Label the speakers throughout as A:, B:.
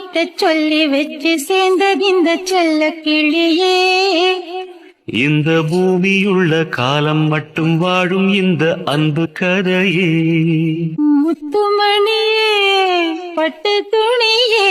A: கிட்ட சொல்லி வச்சு சேர்ந்தது இந்த செல்ல கிளியே.
B: இந்த பூமியுள்ள காலம் மட்டும் வாழும் இந்த அன்பு கதையே.
A: முத்துமணியே பட்டு துணியே.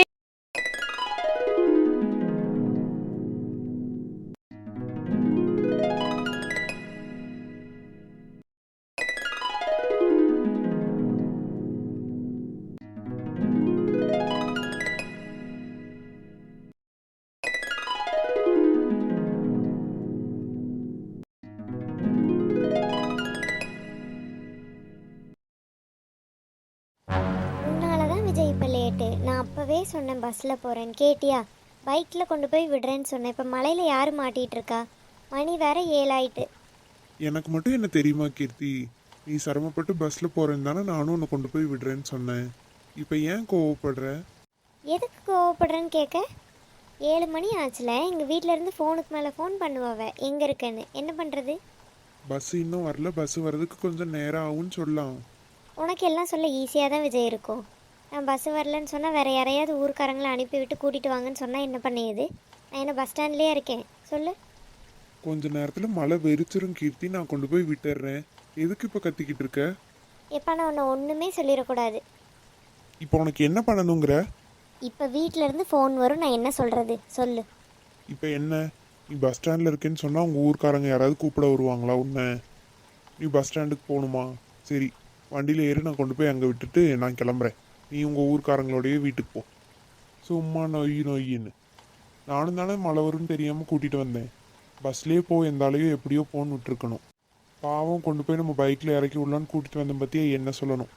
C: விஜய் இப்போ லேட்டு. நான் அப்போவே சொன்னேன் பஸ்ஸில் போகிறேன்னு, கேட்டியா? பைக்கில் கொண்டு போய் விடுறேன்னு சொன்னேன். இப்போ மலையில் யார் மாட்டிகிட்டு இருக்கா? மணி வேற 7 ஆயிட்டு.
D: எனக்கு மட்டும் என்ன தெரியுமா கீர்த்தி, நீ சிரமப்பட்டு பஸ்ஸில் போகிறேன்னு தானே நானும் உன்னை கொண்டு போய் விடுறேன்னு சொன்னேன். இப்போ ஏன் கோவப்படுற?
C: எதுக்கு கோவப்படுறேன்னு கேட்க? 7 மணி ஆச்சுல. எங்கள் வீட்டிலேருந்து ஃபோனுக்கு மேலே ஃபோன் பண்ணுவாவ எங்கே இருக்கேன்னு. என்ன பண்ணுறது?
D: பஸ் இன்னும் வரல, பஸ் வர்றதுக்கு கொஞ்சம் நேரம் ஆகும்னு சொல்லலாம்.
C: உனக்கு எல்லாம் சொல்ல ஈஸியாக தான் விஜய் இருக்கும். நான் பஸ்ஸு வரலன்னு சொன்னால் வேறு யாரையாவது ஊருக்காரங்களை அனுப்பிவிட்டு கூட்டிகிட்டு வாங்கன்னு சொன்னால் என்ன பண்ணியது? நான் என்ன பஸ் ஸ்டாண்ட்லேயே இருக்கேன், சொல்லு.
D: கொஞ்ச நேரத்தில் மழை வெறிச்சிரும் கீர்த்தி, நான் கொண்டு போய் விட்டுடுறேன். எதுக்கு இப்போ கத்திக்கிட்டு இருக்க?
C: எப்போ நான் உன்னை ஒன்றுமே சொல்லிடக்கூடாது.
D: இப்போ உனக்கு என்ன பண்ணணுங்கிற?
C: இப்போ வீட்டிலேருந்து ஃபோன் வரும், நான் என்ன சொல்கிறது சொல்லு.
D: இப்போ என்ன, நீ பஸ் ஸ்டாண்டில் இருக்கேன்னு சொன்னால் உங்கள் ஊருக்காரங்க யாராவது கூப்பிட வருவாங்களா உன்னை? நீ பஸ் ஸ்டாண்டுக்கு போகணுமா? சரி, வண்டியில் ஏறி நான் கொண்டு போய் அங்கே விட்டுட்டு நான் கிளம்புறேன். நீ உங்கள் ஊருக்காரங்களோடையே வீட்டுக்கு போ. சும்மா நொய்யின்னு நானும் தானே மழை வரும்னு தெரியாமல் கூட்டிகிட்டு வந்தேன். பஸ்லேயே போ, எந்தாலையும் எப்படியோ போன்னு விட்டுருக்கணும். பாவம், கொண்டு போய் நம்ம பைக்கில் இறக்கி விடலான்னு கூட்டிகிட்டு வந்தேன் பற்றியா என்ன சொல்லணும்?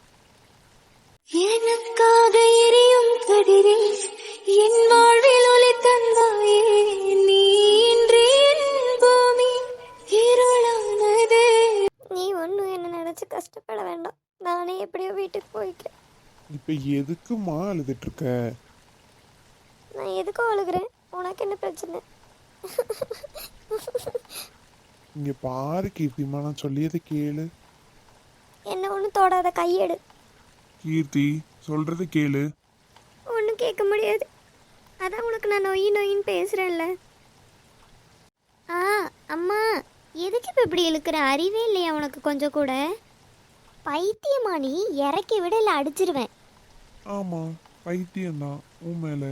A: எனக்காக எரியும் கதிரில் என் வாழ்வில் ஒளி தந்தாயே, நீ இன்றி என் பூமி இருளானதே.
C: நீ ஒன்றும் என்ன நினச்சி கஷ்டப்பட வேண்டாம். நானே எப்படியோ வீட்டுக்கு போய்க்கிறேன்.
D: இப்போ எதுக்குமா அழுதுட்டு இருக்க?
C: நான் எதுக்கும் அழுகிறேன்? உனக்கு என்ன பிரச்சனை?
D: இங்கே பாரு கீர்த்திமா, நான் சொல்லியதை கேளு.
C: என்ன ஒன்றும் தொடாத, கையெடு.
D: கீர்த்தி, சொல்கிறத கேளு.
C: ஒன்றும் கேட்க முடியாது. அதான் உனக்கு நான் நொயின்னு பேசுகிறேன்ல. அம்மா, எதுக்கு இப்போ இப்படி இழுக்கிற? அறிவே இல்லையா உனக்கு கொஞ்சம் கூட? பைத்தியமா நீ? இறக்கி விட இல்லை அடிச்சிருவேன்.
D: ஆமாம், பைத்தியம்தான் உன் மேலே.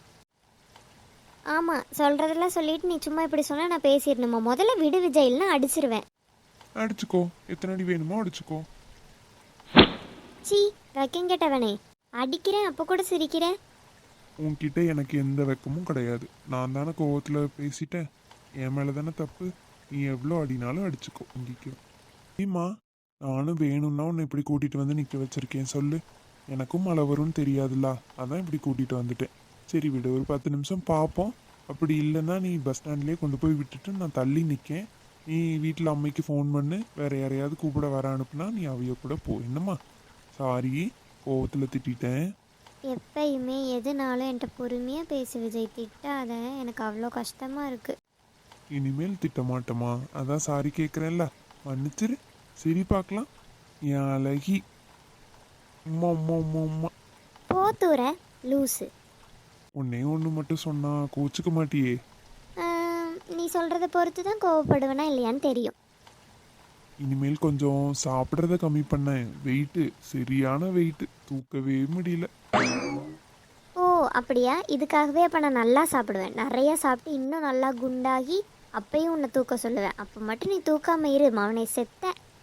C: ஆமாம், சொல்கிறதெல்லாம் சொல்லிட்டு நீ சும்மா இப்படி சொன்னால் நான் பேசிடணுமா? முதல்ல விடு விஜய், இல்லைன்னா அடிச்சிருவேன்.
D: அடிச்சுக்கோ, எத்தனை அடி வேணுமோ அடிச்சுக்கோ.
C: சி, வெக்கம் கேட்டவனே, அடிக்கிறேன் அப்போ கூட சிரிக்கிறேன்.
D: உன்கிட்ட எனக்கு எந்த வெக்கமும் கிடையாது. நான் தானே கோவத்தில் பேசிட்டேன், என் மேலே தானே தப்பு. நீ எவ்வளோ அடினாலும் அடிச்சுக்கோ, இங்கிக்கோ. நீமா, நானும் வேணும்னா உன்னை இப்படி கூட்டிகிட்டு வந்து நிற்க வச்சுருக்கேன் சொல்லு. எனக்கும் மழை வரும்னு தெரியாதுல்ல, அதான் இப்படி கூட்டிகிட்டு வந்துட்டேன். சரி விடு, ஒரு 10 நிமிஷம் பார்ப்போம். அப்படி இல்லைன்னா நீ பஸ் ஸ்டாண்ட்லேயே கொண்டு போய் விட்டுட்டு நான் தள்ளி நிற்கேன். நீ வீட்டில் அம்மைக்கு ஃபோன் பண்ணு, வேறு யாரையாவது கூப்பிட வர அனுப்புனா நீ அவைய கூட போ. என்னம்மா? சாரி, கோவத்தில் திட்டேன்.
C: எப்பயுமே எதுனாலும் என்கிட்ட பொறுமையாக பேசு விஜய், திட்டாத. எனக்கு அவ்வளோ கஷ்டமாக இருக்குது.
D: இனிமேல் திட்ட மாட்டோமா? அதான் சாரி கேட்குறேன்ல, மன்னிச்சிரு. சரி, பார்க்கலாம். என் அழகி. உம்மா உம்மா உம்மா உம்மா.
C: போத்தூர லூஸு.
D: ஒன்னே ஒன்று மட்டும் சொன்னா கோச்சிக்க மாட்டியே?
C: நீ சொல்கிறத பொறுத்து தான் கோவப்படுவேனா இல்லையான்னு தெரியும்.
D: இனிமேல் கொஞ்சம் சாப்பிட்றத கம்மி பண்ணேன். வெயிட்டு சரியான வெயிட்டு, தூக்கவே முடியல.
C: ஓ அப்படியா? இதுக்காகவே அப்போ நான் நல்லா சாப்பிடுவேன். நிறையா சாப்பிட்டு இன்னும் நல்லா குண்டாகி அப்பையும் உன்னை தூக்க சொல்லுவேன். அப்போ மட்டும் நீ தூக்காம இரு, அவனை செத்த.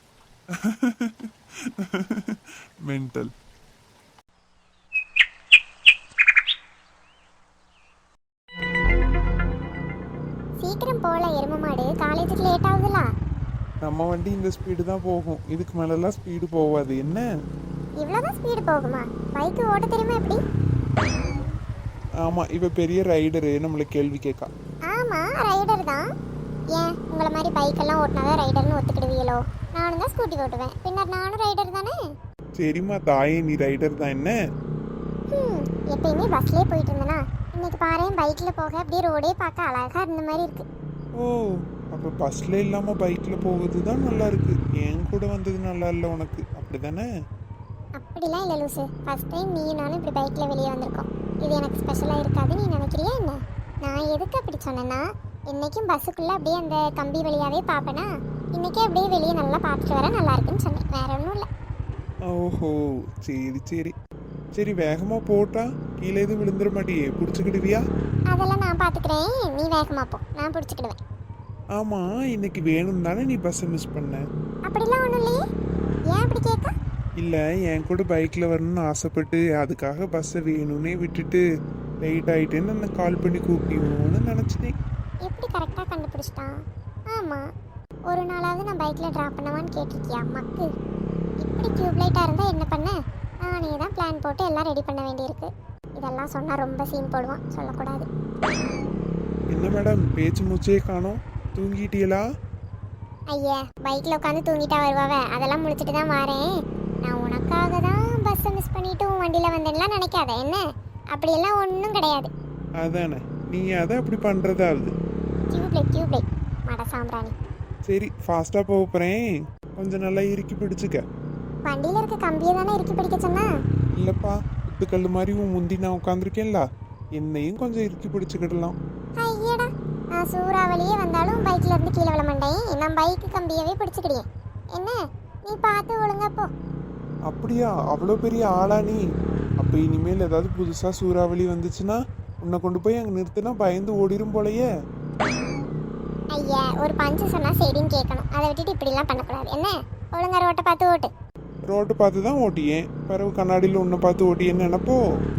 D: மென்டல்.
C: சீக்கிரம் போல எரும மாடு, காலேஜுக்கு லேட் ஆகுதுல.
D: நம்ம வண்டி இந்த ஸ்பீடு தான் போகும், இதுக்கு மேலெல்லாம் ஸ்பீடு போகாது. என்ன
C: இவ்வளோதான் ஸ்பீடு போகுமா? பைக்கு ஓட்ட தெரியுமா எப்படி?
D: ஆமாம், இவ பெரிய ரைடரு, நம்மளை கேள்வி கேட்கா.
C: ஆமாம், ரைடர் தான். ஏன் உங்களை மாதிரி பைக்கெல்லாம் ஓட்டினாதான் ரைடர்னு ஒத்துக்கிடுவீங்களோ? நானும் தான் ஸ்கூட்டி ஓட்டுவேன், பின்னர் நானும் ரைடர் தானே.
D: சரிம்மா தாயே, நீ ரைடர் தான். என்ன
C: எப்பயுமே பஸ்லேயே போயிட்டு இருந்தேனா, இன்னைக்கு பாரு பைக்கில் போக அப்படியே ரோடே பார்க்க அழகாக இருந்த மாதிரி இருக்கு.
D: ஓ, அப்போ பஸ்ஸில் இல்லாமல் பைக்கில் போகிறது தான் நல்லா இருக்கு. என் கூட வந்தது நல்லா இல்லை உனக்கு, அப்படி தானே?
C: அப்படிலாம் இல்லை லூசு, ஃபர்ஸ்ட் டைம் நீ நானும் இப்படி பைக்கில் வெளியே வந்திருக்கோம். இது எனக்கு ஸ்பெஷலாக இருக்காதுன்னு நீ நினைக்கிறியா என்ன? நான் எதுக்கு அப்படி சொன்னேன்னா, இன்னைக்கும் பஸ்ஸுக்குள்ளே அப்படியே அந்த கம்பி வழியாகவே பார்ப்பேனா, இன்னைக்கே அப்படியே வெளியே நல்லா பார்த்துட்டு வர நல்லா இருக்குன்னு சொன்னேன், வேற ஒன்றும் இல்லை.
D: ஓஹோ, சரி சரி. சரி, வேகமாக போட்டா கீழே எதுவும் விழுந்துட மாட்டியே, பிடிச்சிக்கிடுவியா?
C: அதெல்லாம் நான் பார்த்துக்கிறேன், நீ வேகமாக போ, நான் பிடிச்சிக்கிடுவேன்.
D: ஆமாம், இன்னைக்கு வேணும் தானே நீ பஸ்ஸை மிஸ் பண்ண?
C: அப்படிலாம் ஒன்றும் இல்லையே, ஏன் அப்படி கேட்க?
D: இல்லை, என் கூட பைக்கில் வரணும்னு ஆசைப்பட்டு அதுக்காக பஸ்ஸை வேணும்னே விட்டுட்டு லேட் ஆகிட்டேன்னு நான் கால் பண்ணி கூப்பிடுவோன்னு நினச்சிட்டேன்.
C: எப்படி கரெக்டாக கண்டுபிடிச்சிட்டான்? ஆமாம், ஒரு நாளாவது நான் பைக்கில் ட்ராப் பண்ணவான்னு கேட்டிருக்கியா மக்கு? இப்படி டியூப்லைட்டாக இருந்தால் என்ன பண்ண? நானே தான் பிளான் போட்டு எல்லாம் ரெடி பண்ண வேண்டியிருக்கு. இதெல்லாம் சொன்னால் ரொம்ப சீன் போடுவான், சொல்லக்கூடாது.
D: என்ன மேடம், பேச்சு மூச்சே காணோம், தூங்கிட்டீங்களா?
C: ஐயா, பைக்கில் உட்காந்து தூங்கிட்டா வருவாவ, அதெல்லாம் முடிச்சுட்டு தான் வரேன். நான் உனக்காக தான் பஸ்ஸை மிஸ் பண்ணிட்டு உன் வண்டியில் வந்தேன்லாம் நினைக்காத என்ன? அப்படியெல்லாம் ஒன்றும் கிடையாது.
D: அதானே, நீ அதை அப்படி பண்ணுறதாவது.
C: டியூப்லைட் மட சாம்பிராணி.
D: சரி, ஃபாஸ்ட்டாக போக போகிறேன், கொஞ்சம் நல்லா இறுக்கி பிடிச்சிக்க.
C: வண்டியில் இருக்க கம்பியை தானே இறுக்கி பிடிக்க சொன்னா?
D: இல்லைப்பா, குத்துக்கல் மாதிரி உன் முந்தி நான் உட்காந்துருக்கேன்ல, என்னையும் கொஞ்சம் இறுக்கி பிடிச்சிக்கிடலாம்.
C: ஐயடா, நான் சூறாவளியே வந்தாலும் பைக்கில் இருந்து கீழே விழ மாட்டேன், நான் பைக்கு கம்பியவே பிடிச்சிக்கிடியேன். என்ன, நீ பார்த்து ஒழுங்கா போ.
D: அப்படியா, அவ்வளோ பெரிய ஆளா நீ? அப்போ இனிமேல் ஏதாவது புதுசாக சூறாவளி வந்துச்சுன்னா உன்னை கொண்டு போய் அங்கே நிறுத்தினா பயந்து ஓடிரும் போலையே.
C: ஐயா, ஒரு பஞ்சு சொன்னால் சரின்னு கேட்கணும், அதை விட்டுட்டு இப்படிலாம் பண்ணக்கூடாது. என்ன, ஒழுங்கா ரோட்டை பார்த்து ஓட்டு.
D: ரோட்டை பார்த்து தான் ஓட்டியேன், பிறகு கண்ணாடியில் உன்னை பார்த்து ஓட்டியேன்னு நினைப்போ?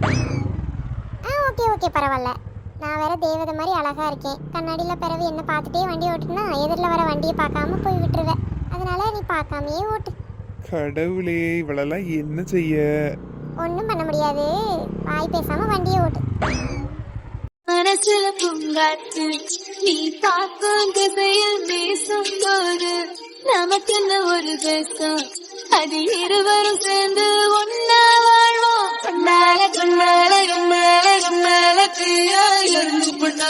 C: ஓகே பரவாயில்ல, நான் வேற தேவதை மாதிரி அழகா இருக்கேன், கண்ணாடியில் பிறகு என்ன பார்த்துட்டே வண்டி ஓட்டுனா எதிரில் வர வண்டியை பார்க்காம போய் விட்டுருவேன். அதனால நீ பார்க்காமையே ஓட்டு.
D: கடவுளே, இவளெல்லாம் என்ன செய்ய?
C: ஒன்றும் பண்ண முடியாது, வாய் பேசாம வண்டியை ஓட்டு.
A: மனசுல பூங்காற்று நீ பார்க்கும் திசையில் பேசும் போது நமக்கென்ன ஒரு தேசம், அது இருவரும் சேர்ந்து ஒன்னா வாழ்வோம். கண்ணால கண்ணால கண்ணால கண்ணால தீயா எரிஞ்சு போட்டா,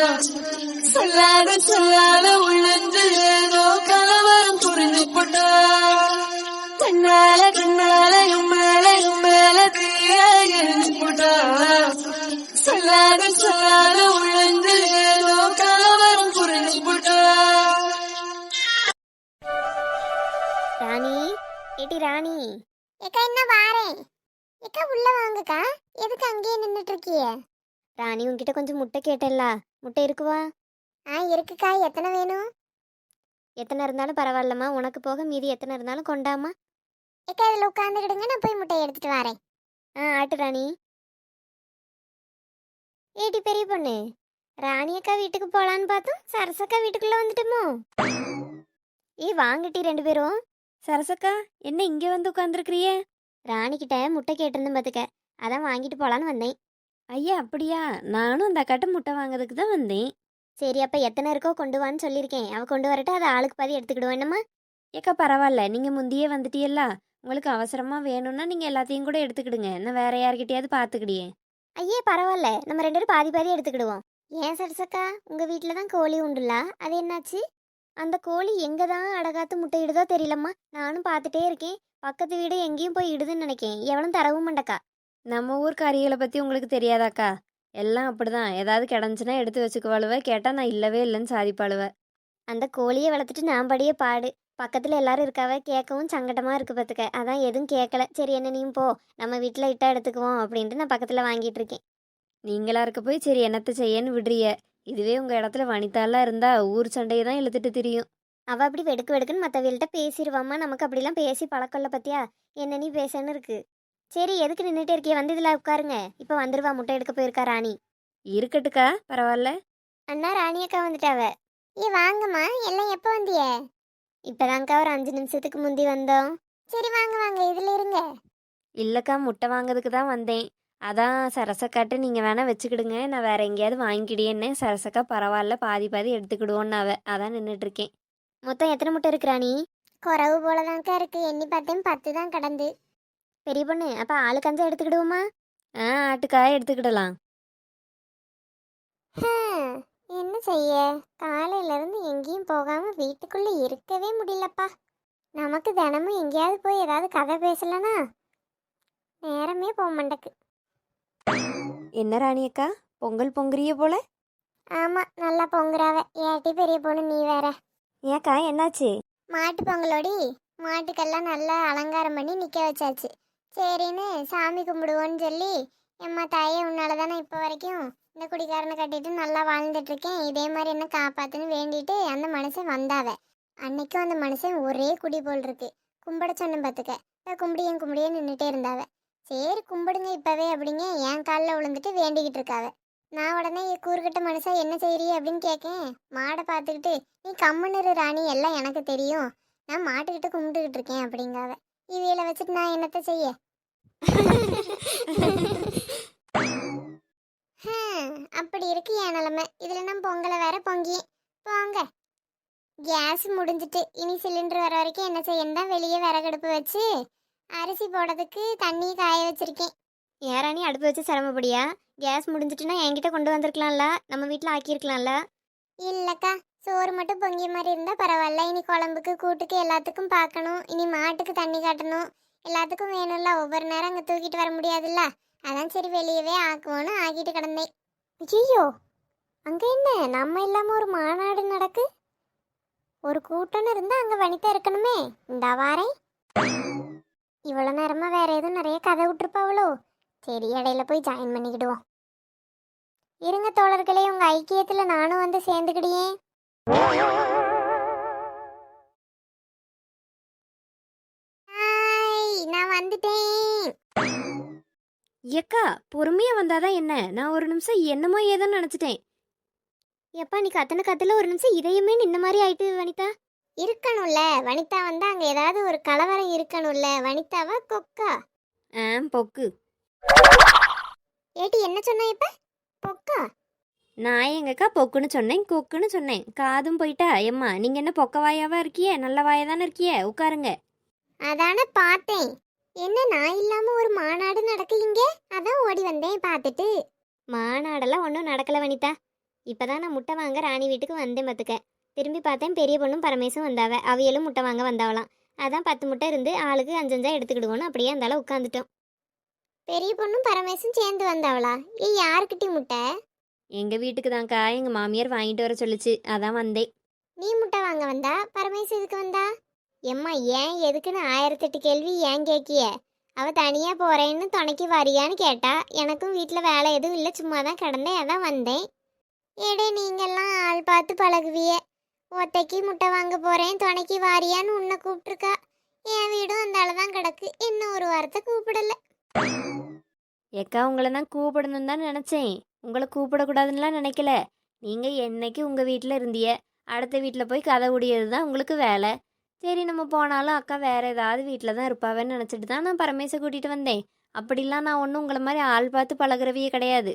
A: சொல்லாத உள்ளந்து ஏதோ கலவரம் புரிஞ்சு போட்டா. கண்ணால கண்ணால கண்ணால கண்ணால தீயா எரிஞ்சு போட்டா, சொல்லாத உள்ளந்து ஏதோ கலவரம் புரிஞ்சு போட்டா.
C: ராணி, ஏட்டி ராணி. ஏக்கா, என்ன வாரேன். ஏக்கா, உள்ள வாங்கக்கா, எதுக்கு அங்கேயே நின்றுட்டு இருக்கிய? ராணி, உன்கிட்ட கொஞ்சம் முட்டை கேட்டேல்ல, முட்டை இருக்குவா? இருக்குக்கா, எத்தனை வேணும்? எத்தனை இருந்தாலும் பரவாயில்லம்மா, உனக்கு போக மீதி எத்தனை இருந்தாலும் கொண்டாமா. ஏக்கா, இதில் உட்காந்துக்கிடுங்க, நான் போய் முட்டையை எடுத்துட்டு வரேன். ஆட்டு ராணி. ஏடி பெரிய பொண்ணு, ராணி அக்கா வீட்டுக்கு போகலான்னு பார்த்தோம், சரசக்கா வீட்டுக்குள்ளே வந்துட்டோமோ? வாங்கட்டி ரெண்டு பேரும்.
E: சரசக்கா, என்ன இங்கே வந்து உட்காந்துருக்கிறிய?
C: ராணிக்கிட்ட முட்டை கேட்டிருந்தேன் பார்த்துக்க, அதான் வாங்கிட்டு போகலான்னு வந்தேன்.
E: ஐயா, அப்படியா? நானும் அந்த அக்காட்ட முட்டை வாங்குறதுக்கு தான் வந்தேன்.
C: சரி, அப்போ எத்தனை இருக்கோ கொண்டு வான்னு சொல்லியிருக்கேன், அவள் கொண்டு வரட்ட அதை ஆளுக்கு பாதி எடுத்துக்கிடுவோம். என்னம்மா?
E: ஏக்கா, பரவாயில்ல, நீங்கள் முந்தியே வந்துட்டியல்ல, உங்களுக்கு அவசரமாக வேணும்னா நீங்கள் எல்லாத்தையும் கூட எடுத்துக்கிடுங்க, நான் வேற யார்கிட்டயாவது பார்த்துக்கிடியே.
C: ஐயே, பரவாயில்ல, நம்ம ரெண்டு பேரும் பாதி பாதி எடுத்துக்கிடுவோம். ஏன் சரசக்கா, உங்கள் வீட்டில் தான் கோழி உண்டுல, அது என்னாச்சு? அந்த கோழி எங்கே தான் அடகாத்து முட்டை இடுதோ தெரியலம்மா, நானும் பார்த்துட்டே இருக்கேன், பக்கத்து வீடு எங்கேயும் போய் இடுதுன்னு நினைக்கேன், எவனும் தரவும் மாட்டக்கா.
E: நம்ம ஊர் கறிகளை பற்றி உங்களுக்கு தெரியாதாக்கா? எல்லாம் அப்படிதான், ஏதாவது கிடந்துச்சுன்னா எடுத்து வச்சுக்குவாளுவ, கேட்டால் நான் இல்லவே இல்லைன்னு சாதிப்பாளுவ.
C: அந்த கோழியை வளர்த்துட்டு நான் படியே பாடு, பக்கத்தில் எல்லாரும் இருக்காவ, கேட்கவும் சங்கடமாக இருக்கு பார்த்துக்க, அதான் எதுவும் கேட்கல. சரி, என்ன நீயும் போ, நம்ம வீட்டில் இட்டா எடுத்துக்குவோம் அப்படின்ட்டு நான் பக்கத்தில் வாங்கிட்டு இருக்கேன்.
E: நீங்களா இருக்க போய் சரி என்னத்தை செய்யன்னு விடுறிய, இதுவே உங்கள் இடத்துல வனிதாலாம் இருந்தா ஊர் சண்டையை தான் இழுத்துட்டு திரியும்.
C: அவள் அப்படி வெடுக்குன்னு மற்றவள்கிட்ட பேசிடுவாம்மா, நமக்கு அப்படிலாம் பேசி பழக்கம்ல பத்தியா, என்ன நீ பேசன்னு இருக்கு. சரி, எதுக்கு நின்றுட்டே இருக்கிய, வந்து இதில் உட்காருங்க, இப்போ வந்துடுவா, முட்டை எடுக்க போயிருக்கா ராணி.
E: இருக்கட்டுக்கா, பரவாயில்ல.
C: அண்ணா, ராணி அக்கா வந்துட்டாவ. வாங்கம்மா, எல்லாம் எப்போ வந்திய? இப்போதாங்க்கா ஒரு 5 நிமிஷத்துக்கு முந்தி வந்தோம். சரி, வாங்க வாங்க, இதில் இருங்க.
E: இல்லைக்கா, முட்டை வாங்கிறதுக்கு தான் வந்தேன், அதான் சரசக்காட்ட நீங்கள் வேணால் வச்சுக்கிடுங்க, நான் வேற எங்கேயாவது வாங்கிக்கிடியேன்னு. சரசக்கா பரவாயில்ல, பாதி பாதி எடுத்துக்கிடுவோன்னு அதான் நின்றுட்டுருக்கேன்.
C: மொத்தம் எத்தனை முட்டை இருக்கு ராணி? குறவு போலதான்க்கா இருக்கு, எண்ணி பார்த்தேன் 10 தான் கடந்து. பெரிய பொண்ணு, அப்போ ஆளுக்கு 5 எடுத்துக்கிடுவோமா?
E: ஆட்டுக்காய் எடுத்துக்கிடலாம்.
C: என்ன செய்ய, காலையிலேருந்து எங்கேயும் போகாமல் வீட்டுக்குள்ளே இருக்கவே முடியலப்பா. நமக்கு தினமும் எங்கேயாவது போய் ஏதாவது கதை பேசலனா நேரமே போக மாட்டேக்கு.
E: என்ன ராணி அக்கா பொங்கல் பொங்குறிய போல?
C: ஆமா, நல்லா பொங்குறாவ. ஏட்டி பெரிய பொண்ணு நீ வேற.
E: ஏக்கா என்னாச்சு?
C: மாட்டு பொங்கலோடி, மாட்டுக்கெல்லாம் நல்லா அலங்காரம் பண்ணி நிக்க வச்சாச்சு. சரின்னு சாமி கும்பிடுவோன்னு சொல்லி, எம்மா தாயே உன்னால தானே இப்போ வரைக்கும் இந்த குடிகாரனை கட்டிட்டு நல்லா வாழ்ந்துட்டு இருக்கேன், இதே மாதிரி என்ன காப்பாத்துன்னு வேண்டிட்டு அந்த மனுஷன் வந்தாவ. அன்னைக்கும் அந்த மனுஷன் ஒரே குடி போல் இருக்கு. கும்பிட சொன்ன பார்த்துக்க, கும்பிடியே நின்றுட்டே இருந்தாவ. சரி கும்பிடுங்க இப்பவே அப்படிங்க என் காலில் விழுந்துட்டு வேண்டிக்கிட்டு இருக்காவ. நான் உடனே கூறுகட்ட மனுஷா என்ன செய்யறீ அப்படின்னு கேட்கேன். மாடை பார்த்துக்கிட்டு நீ கம்முன்னு ராணி, எல்லாம் எனக்கு தெரியும், நான் மாட்டுக்கிட்ட கும்பிட்டுக்கிட்டு இருக்கேன் அப்படிங்காவ. இவையில வச்சுட்டு நான் என்னத்த செய்ய? அப்படி இருக்கு என் நிலைமை. இதுல நான் பொங்கலை வேற பொங்கி போங்க. கேஸ் முடிஞ்சிட்டு இனி சிலிண்டர் வர வரைக்கும் என்ன செய்யணும் தான் வெளியே விறகடுப்பு வச்சு அரிசி போடுறதுக்கு தண்ணி காய வச்சிருக்கேன்.
E: ஏறானி அடுப்பு வச்சு சிரமப்படியா? கேஸ் முடிஞ்சிட்டுனா என்கிட்ட கொண்டு வந்திருக்கலாம்ல, நம்ம வீட்டில் ஆக்கியிருக்கலாம்ல.
C: இல்லக்கா, சோறு மட்டும் பொங்கிய மாதிரி இருந்தா பரவாயில்ல. இனி குழம்புக்கு கூட்டுக்கு எல்லாத்துக்கும் பார்க்கணும். இனி மாட்டுக்கு தண்ணி காட்டணும், எல்லாத்துக்கும் வேணும்ல. ஒவ்வொரு நேரம் அங்கே தூக்கிட்டு வர முடியாதுல்ல. அதான் சரி வெளியவே ஆக்குவோன்னு ஆக்கிட்டு கிடந்தேன். ஐயோ, அங்க என்ன நம்ம இல்லாம ஒரு மாநாடு நடக்கு? ஒரு கூட்டம்னு இருந்தா அங்க வனிதா இருக்கணுமே. இந்த வாரேன். இவ்வளவு நேரமா வேற எதுவும் நிறைய கதை விட்டுருப்பாவளோ. சரி, இடையில போய் ஜாயின் பண்ணிக்கிடுவோம். இருங்க தோழர்களே, உங்க ஐக்கியத்துல நானும் வந்து சேர்ந்துக்கிடியே. நான் வந்துட்டேன்.
E: ஏக்கா பொறுமையா வந்தாதான் என்ன? நான் ஒரு நிமிஷம் என்னமோ ஏதோ நினைச்சிட்டேன்.
C: எப்பா நீ கத்துல ஒரு நிமிஷம் இதயமே நின்ன மாதிரி ஆயிட்டு வனிதா. இருக்கணும்ல, வனிதா வந்தா அங்க ஏதாவது ஒரு கலவரம் இருக்கணும்ல. வனிதாவா கொக்கா?
E: பொக்கு.
C: ஏட்டி என்ன சொன்ன இப்ப? பொக்கா?
E: நான் எங்கக்கா பொக்குன்னு சொன்னேன், கொக்குன்னு சொன்னேன். காதும் போயிட்டா? எம்மா நீங்க என்ன பொக்க வாயாவா இருக்கியே? நல்ல வாயா தானே இருக்கியே, உட்காருங்க.
C: அதானே பார்த்தேன். என்ன நான் இல்லாம ஒரு மாநாடு நடக்குங்க, அதான் ஓடி வந்தேன் பார்த்துட்டு.
E: மாநாடெல்லாம் ஒன்றும் நடக்கல வனிதா. இப்பதான் நான் முட்டை வாங்க ராணி வீட்டுக்கு வந்தேன் பார்த்துக்க. திரும்பி பார்த்தேன் பெரிய பொண்ணும் பரமேசும் வந்தாவ. அவையலும் முட்டை வாங்க வந்தாவலாம். அதான் 10 முட்டை இருந்து ஆளுக்கு 5 எடுத்துக்கிடுவோன்னு அப்படியே அந்தால உட்காந்துட்டோம்.
C: பெரிய பொண்ணும் பரமேசும் சேர்ந்து வந்தாவளா? யாருக்கிட்டி முட்டை?
E: எங்க வீட்டுக்கு தான்க்கா, எங்க மாமியார் வாங்கிட்டு வர சொல்லுச்சு, அதான் வந்தேன்.
C: நீ முட்டை வாங்க வந்தா, பரமேசு எதுக்கு வந்தா? எம்மா ஏன் எதுக்குன்னு 1008 கேள்வி ஏன் கேட்கிய? அவ தனியா போறேன்னு துணைக்கு வரியான்னு கேட்டா. எனக்கும் வீட்டில் வேலை எதுவும் இல்லை, சும்மா தான் கிடந்தேன், அதான் வந்தேன். ஏடே நீங்கெல்லாம் ஆள் பார்த்து பழகுவிய. ஒத்தைக்கு முட்டை வாங்க போறேன் துணைக்கு வாரியான்னு உன்னை கூப்பிட்டுருக்கா. என் வீடும் அந்த தான் கிடக்கு, இன்னும் ஒரு வாரத்தை கூப்பிடல.
E: ஏக்கா உங்களை நான் கூப்பிடணும் தான் நினச்சேன், உங்களை கூப்பிடக்கூடாதுன்னுலாம் நினைக்கல. நீங்கள் என்னைக்கு உங்கள் வீட்டில் இருந்திய, அடுத்த வீட்டில் போய் கதை உடையது தான் உங்களுக்கு வேலை. சரி நம்ம போனாலும் அக்கா வேறு ஏதாவது வீட்டில் தான் இருப்பாவேன்னு நினச்சிட்டு தான் நான் பரமேசை கூட்டிகிட்டு வந்தேன். அப்படிலாம் நான் ஒன்றும் உங்களை மாதிரி ஆள் பார்த்து பழகிறவையே கிடையாது.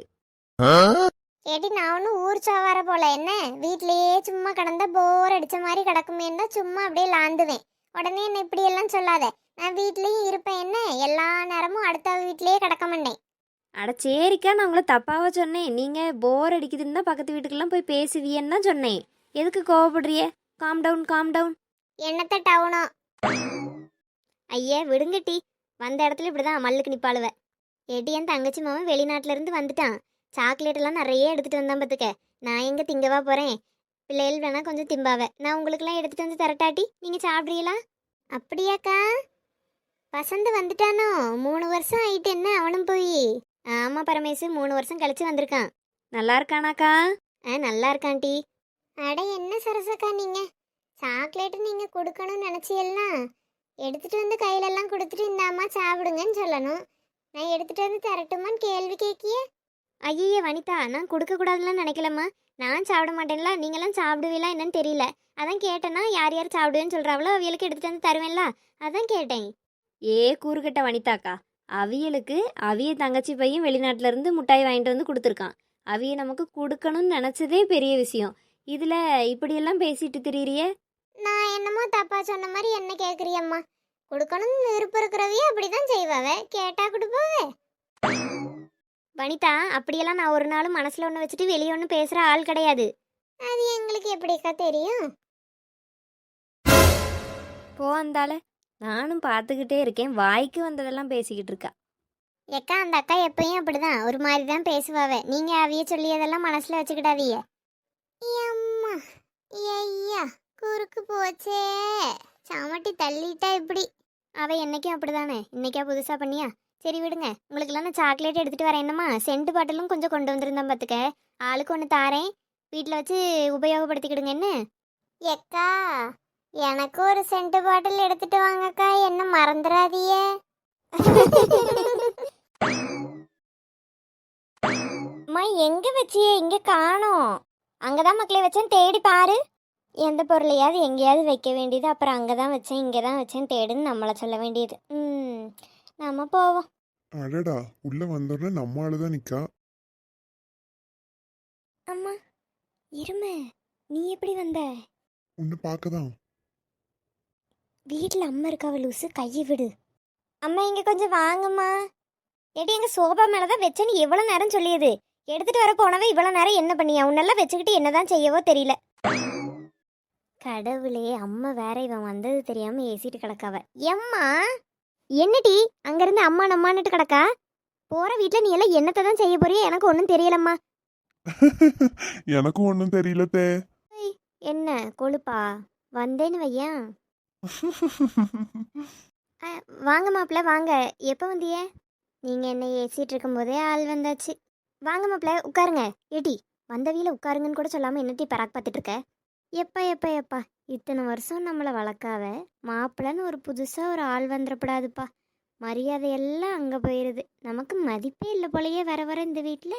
C: ஏடி நான் ஒன்றும் ஊர் சாவார போல. என்ன வீட்லயே சும்மா கிடந்தா போர் அடிச்ச மாதிரி கிடக்குமேன்னு தான் சும்மா அப்படியே லாந்துவேன். உடனே என்ன இப்படியெல்லாம் சொல்லாத. நான் வீட்லேயும் இருப்பேன், என்ன எல்லா நேரமும் அடுத்த வீட்லேயே கிடக்க மாட்டேன்.
E: அட சரிக்கா, நான் உங்களை தப்பாவா சொன்னேன்? நீங்கள் போர் அடிக்குதுன்னு தான் பக்கத்து வீட்டுக்கெல்லாம் போய் பேசுவியன்னு தான் சொன்னேன். எதுக்கு கோவப்படுறிய? Calm down calm down.
C: என்னத்த டவுனோ?
E: ஐயா விடுங்க டீ, வந்த இடத்துல இப்படி தான் மல்லுக்கு நிப்பாளுவ. ஏடி என் தங்கச்சி மாமன் வெளிநாட்டிலேருந்து வந்துட்டான். சாக்லேட் எல்லாம் நிறைய எடுத்துகிட்டு வந்தான் பார்த்துக்க. நான் எங்கே திங்கவா போகிறேன்? பிள்ளைகள் வேணா கொஞ்சம் திம்பாவ. நான் உங்களுக்கெல்லாம் எடுத்துகிட்டு வந்து தரட்டாட்டி நீங்கள் சாப்பிட்றீங்களா?
C: அப்படியாக்கா? வசந்த் வந்துட்டானோ? 3 வருஷம் ஆயிட்டு என்ன அவனும் போய்?
E: ஆமாம் பரமேசு 3 வருஷம் கழிச்சு வந்திருக்கான். நல்லா இருக்கானாக்கா? நல்லா இருக்கான் டீ.
C: அட என்ன சரசக்கா நீங்க, சாக்லேட்டு நீங்க கொடுக்கணும்னு நினைச்சியெல்லாம் எடுத்துட்டு வந்து கையிலெல்லாம் கொடுத்துட்டு இந்தாம்மா சாப்பிடுங்கன்னு சொல்லணும். நான் எடுத்துட்டு வந்து தரட்டுமான்னு கேள்வி கேட்கிய?
E: ஐயே வனிதா, நான் கொடுக்கக்கூடாதுலாம் நினைக்கலம்மா. நான் சாப்பிட மாட்டேன்ல, நீங்களாம் சாப்பிடுவீங்களா என்னன்னு தெரியல. அதான் கேட்டேன்னா யார் யார் சாப்பிடுவேன்னு சொல்கிறாங்களோ அவியலுக்கு எடுத்துகிட்டு வந்து தருவேன்ல, அதான் கேட்டேன். கூறுகட்ட வனிதாக்கா, அவியலுக்கு அவிய தங்கச்சி பையன் வெளிநாட்டிலேருந்து முட்டாய் வாங்கிட்டு வந்து கொடுத்துருக்கான். அவிய நமக்கு கொடுக்கணும்னு நினச்சதே பெரிய விஷயம். இதில் இப்படியெல்லாம் பேசிட்டு திரியிறியே.
C: நான் என்னமோ தப்பா சொன்ன மாதிரி என்ன கேட்குறியம்மா? கொடுக்கணும்னு விருப்பம் இருக்கிறவையே அப்படிதான் செய்வாவே, கேட்டா கொடுப்பாவே.
E: வனிதா, அப்படியெல்லாம் நான் ஒரு நாளும் மனசில் ஒன்று வச்சுட்டு வெளியே ஒன்று பேசுகிற ஆள் கிடையாது.
C: அது எங்களுக்கு எப்படிக்கா தெரியும்?
E: போ அந்தால, நானும் பார்த்துக்கிட்டே இருக்கேன், வாய்க்கு வந்ததெல்லாம் பேசிக்கிட்டு இருக்கா.
C: ஏக்கா அந்த அக்கா எப்பயும் அப்படிதான் ஒரு மாதிரி தான் பேசுவாவ. நீங்க அவிய சொல்லியதெல்லாம் மனசுல வச்சுக்கிடாதீங்க. அம்மா ஐயா குறுக்கு போச்சே, சாமட்டி தள்ளிட்டா இப்படி. அவ என்னைக்கும் அப்படிதானே, இன்னைக்கா புதுசா பண்ணியா? சரி விடுங்க, உங்களுக்குலாம் நான் சாக்லேட் எடுத்துட்டு வரேன். என்னம்மா சென்ட் பாட்டிலும் கொஞ்சம் கொண்டு வந்திருந்தேன் பார்த்துக்க. ஆளுக்கு ஒன்று தாரேன், வீட்டில் வச்சு உபயோகப்படுத்திக்கிடுங்க என்ன. ஏக்கா எனக்கு ஒரு சென்ட் பாட்டில் எடுத்துட்டு வாங்கக்கா, என்ன மறந்துடாதீயே. அம்மா எங்க வச்சியே? இங்க காணோம். அங்கதான் மக்களே வச்சேன், தேடி பாரு. எந்த பொருளையாவது எங்கேயாவது வைக்க வேண்டியது, அப்புறம் அங்கதான் வச்சேன் இங்கதான் வச்சேன் தேடுன்னு நம்மளை சொல்ல வேண்டியது. நம்ம போவோம்.
D: அடடா, உள்ள வந்தோடனே நம்ம ஆளுதான் நிக்கா.
C: அம்மா இருமை, நீ எப்படி வந்த?
D: உன்னை பார்க்கதான்.
C: வீட்டில் அம்மா இருக்காவ லூசு, கையை விடு. அம்மா இங்க கொஞ்சம் வாங்கம்மா. எடி எங்க சோபா மேலதான் வச்சேன்னு எவ்வளவு நேரம் சொல்லியது, எடுத்துட்டு வர போனவே இவ்வளவு நேரம் என்ன பண்ணியா? உன்னெல்லாம் வச்சுக்கிட்டு என்னதான் செய்யவோ தெரியல. கடவுளே, அம்மா வேற இவன் வந்தது தெரியாம ஏசிட்டு கிடக்காவ. எம்மா என்னடி அங்கிருந்து அம்மா நம்மான்னுட்டு கிடக்கா? போற வீட்டுல நீ எல்லாம் என்னத்தை தான் செய்ய போறியோ எனக்கு ஒன்றும் தெரியலம்மா.
D: எனக்கும் ஒன்றும் தெரியல தே.
C: என்ன கொழுப்பா? வந்தேன்னு வையா. வாங்க மாப்பிள்ள வாங்க. எப்போ வந்திய? நீங்க என்ன ஏசிட்டு இருக்கும் போதே ஆள் வந்தாச்சு. வாங்க மாப்பிள்ள உட்காருங்க. ஏட்டி வந்த வீல உட்காருங்கன்னு கூட சொல்லாம என்னட்டி பராக் பார்த்துட்டு இருக்க? எப்பா எப்பா எப்பா, இத்தனை வருஷம் நம்மளை வளர்க்காவ மாப்பிள்ளன்னு ஒரு புதுசா ஒரு ஆள் வந்துடப்படாதுப்பா. மரியாதையெல்லாம் அங்க போயிருது, நமக்கு மதிப்பே இல்லை போலயே வர வர இந்த வீட்டுல.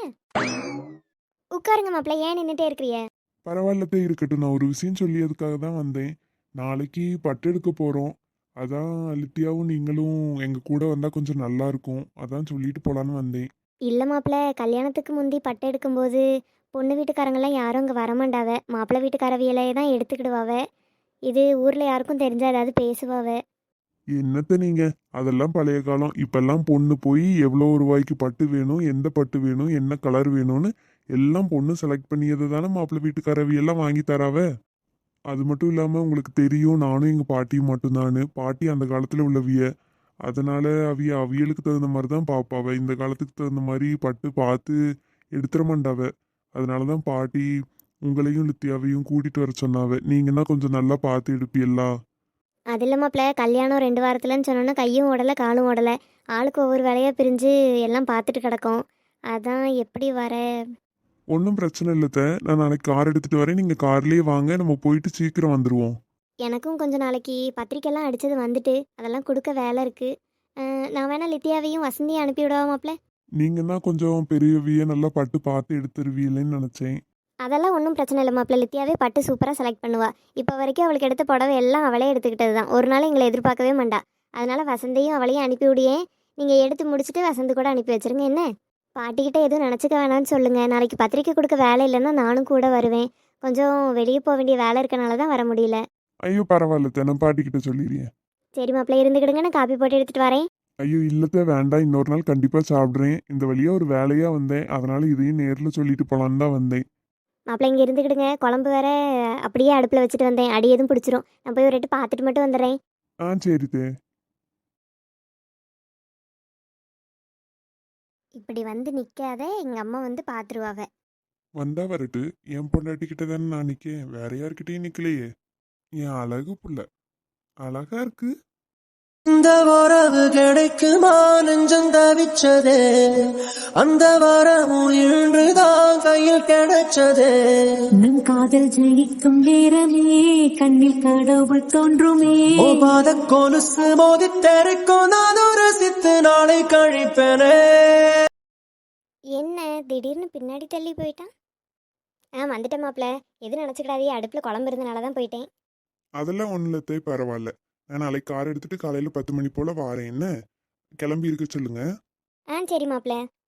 C: உட்காருங்க மாப்பிள்ள, ஏன் நின்றுட்டே இருக்கிறிய?
D: பரவாயில்லத்தே, இருக்கட்டும். நான் ஒரு விஷயம் சொல்லியதுக்காக தான் வந்தேன். நாளைக்கு பட்டு எடுக்க போகிறோம். அதான் லித்தியாவும் நீங்களும் எங்கள் கூட வந்தால் கொஞ்சம் நல்லா இருக்கும். அதான் சொல்லிட்டு போகலான்னு வந்தேன்.
C: இல்லை மாப்பிள்ள, கல்யாணத்துக்கு முந்தி பட்டு எடுக்கும்போது பொண்ணு வீட்டுக்காரங்கெல்லாம் யாரும் அங்கே வரமாண்டாவ. மாப்பிள்ளை வீட்டுக்காரவியலையே தான் எடுத்துக்கிடுவாவ. இது ஊரில் யாருக்கும் தெரிஞ்சா ஏதாவது பேசுவாவ.
D: என்னத்த நீங்கள், அதெல்லாம் பழைய காலம். இப்பெல்லாம் பொண்ணு போய் எவ்வளோ ரூபாய்க்கு பட்டு வேணும், எந்த பட்டு வேணும், என்ன கலர் வேணும்னு எல்லாம் பொண்ணு செலக்ட் பண்ணியது தானே மாப்பிள்ளை வீட்டுக்காரவியெல்லாம் வாங்கி தராவ. அது மட்டும் இல்லாமல் உங்களுக்கு தெரியும், நானும் எங்கள் பாட்டியும் மட்டும்தான். பாட்டி அந்த காலத்தில் உள்ளவிய, அதனால அவியலுக்கு தகுந்த மாதிரி தான் பார்ப்பாவ. இந்த காலத்துக்கு தகுந்த மாதிரி பட்டு பார்த்து எடுத்துட மாட்டாவ. அதனால தான் பாட்டி உங்களையும் லித்தியாவையும் கூட்டிகிட்டு வர சொன்னாவ. நீங்கன்னா கொஞ்சம் நல்லா பார்த்து எடுப்பீங்களா?
C: அது இல்லை மாப்பிள்ள, கல்யாணம் 2 வாரத்துலன்னு சொன்னோன்னா கையும் ஓடலை காலும் ஓடலை. ஆளுக்கு ஒவ்வொரு வேலையாக பிரிஞ்சு எல்லாம் பார்த்துட்டு கிடக்கும். அதான் எப்படி வர.
D: ஒன்றும் பிரச்சனை இல்லைத்த, நான் நாளைக்கு கார் எடுத்துகிட்டு வரேன். நீங்கள் கார்லேயே வாங்க, நம்ம போயிட்டு சீக்கிரம் வந்துடுவோம்.
C: எனக்கும் கொஞ்சம் நாளைக்கு பத்திரிக்கைலாம் அடித்தது வந்துட்டு அதெல்லாம் கொடுக்க வேலை இருக்குது. நான் வேணா லித்தியாவையும் வசந்தியும் அனுப்பி விடவா மாப்பிள்ள?
D: நீங்கள் தான் கொஞ்சம் பெரியவிய நல்லா பட்டு பார்த்து எடுத்துருவீங்களேன்னு நினச்சேன்.
C: அதெல்லாம் ஒன்றும் பிரச்சனை இல்லை மாப்பிள்ள, லித்தியாவே பட்டு சூப்பராக செலக்ட் பண்ணுவா. இப்போ வரைக்கும் அவளுக்கு எடுத்த புடவை எல்லாம் அவளே எடுத்துக்கிட்டது தான். ஒரு நாள் எங்களை எதிர்பார்க்கவே மாட்டா. அதனால வசந்தையும் அவளையும் அனுப்பி விடியேன். நீங்கள் எடுத்து முடிச்சுட்டு வசந்த் கூட அனுப்பி வச்சிருங்க என்ன. பாட்டிக்கிட்ட எதுவும் நினச்சிக்க வேணான்னு சொல்லுங்கள். நாளைக்கு பத்திரிக்கை கொடுக்க வேலை இல்லைன்னா நானும் கூட வருவேன். கொஞ்சம் வெளியே போக வேண்டிய வேலை இருக்கனால தான் வர முடியல.
D: ஐயோ பரவாயில்லத்த, நான் பாட்டிக்கிட்ட சொல்லிடுறேன்.
C: சரி மாப்பிள்ள இருந்துக்கிடுங்க, நான் காப்பி போட்டு எடுத்துகிட்டு வரேன்.
D: ஐயோ இல்லத்த, வேண்டாம். இன்னொரு நாள் கண்டிப்பாக சாப்பிட்றேன். இந்த வழியாக ஒரு வேலையாக வந்தேன், அதனால இதையும் நேரில் சொல்லிட்டு போகலான்னு தான் வந்தேன்.
C: மாப்பிள்ள இங்கே இருந்துக்கிடுங்க, குழம்பு வேற அப்படியே அடுப்பில் வச்சுட்டு வந்தேன், அடி எதுவும் பிடிச்சிரும். நான் போய் ஒரு ரெட்டு பார்த்துட்டு மட்டும் வந்துடுறேன்.
D: சரி தே.
C: இப்படி வந்து நிற்காத, எங்கள் அம்மா வந்து பார்த்துருவாவ.
D: வந்தா வரட்டு, என் பொண்டாட்டிக்கிட்ட தானே நான் நிற்கேன், வேற யார்கிட்டயும் நிற்கலையே. என் அழகு புள்ள அழகா இருக்கு.
F: இந்த வரவு கிடைக்குமா நெஞ்சம் தவிச்சதே, அந்த வரமும் இன்றுதான் கையில் கிடைச்சதே.
A: நம் காதல் ஜெயிக்கும் நேரமே கண்ணில் கடவுள் தோன்றுமே.
F: பாத கொலுசு மோதி தெரிக்கும் நான் ரசித்து நாளை கழிப்பேனே.
C: என்ன திடீர்னு பின்னாடி தள்ளி போயிட்டான்? வந்துட்டேன் மாப்பிள்ள, எது நினச்சிக்கிடாதே, அடுப்பில் குழம்பு இருந்தனால தான் போயிட்டேன்.
D: அதெல்லாம் ஒன்றும் இல்லத்தே, பரவாயில்ல. நான் நாளைக்கு கார் எடுத்துட்டு காலையில் 10 மணி போல் வாரேன். என்ன கிளம்பி இருக்க சொல்லுங்க.
C: சரி மாப்பிள்ள,